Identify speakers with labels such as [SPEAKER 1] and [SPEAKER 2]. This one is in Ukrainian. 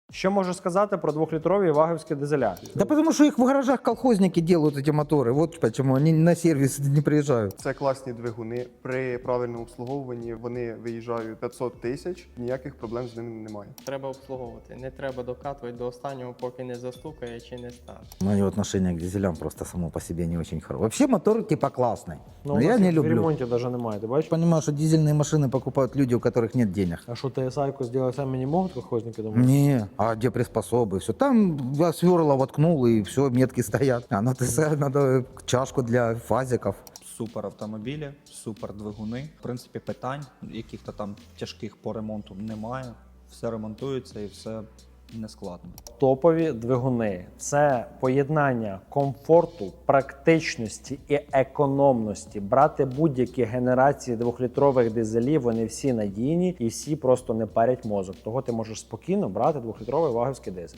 [SPEAKER 1] Що можу сказати про 2-літрові ваговські дизеля?
[SPEAKER 2] Да потому что их в гаражах колхозники делают, эти моторы. Вот почему они на сервис не приезжают.
[SPEAKER 3] Це класні двигуни. При правильному обслуговуванні вони виїжджають 500 тисяч, ніяких проблем з ними немає.
[SPEAKER 4] Треба обслуговувати, не треба докатувати до останнього, поки не застукає чи не стане.
[SPEAKER 2] Мое отношение к дизелям просто само по себе не очень хорошее. Вообще мотор типа классный,
[SPEAKER 1] Ну,
[SPEAKER 2] но я не
[SPEAKER 1] В
[SPEAKER 2] люблю.
[SPEAKER 1] ремонті навіть немає, ти бачиш?
[SPEAKER 2] Понимаю, что дизельные машины покупают люди, у которых нет денег.
[SPEAKER 1] А що TSI-ку зробити самі не можуть колхозники, думаєш?
[SPEAKER 2] Не, а где приспособы? Все. Там я сверла воткнул, и все, метки стоят. А на ТС надо чашку для фазиков.
[SPEAKER 5] Супер автомобілі, супер двигуни. В принципі, питань яких-то там тяжких по ремонту немає. Все ремонтується і все нескладно.
[SPEAKER 1] Топові двигуни – це поєднання комфорту, практичності і економності. Брати будь-які генерації 2-літрових дизелів, вони всі надійні і всі просто не парять мозок. Того ти можеш спокійно брати 2-літровий ваговський дизель.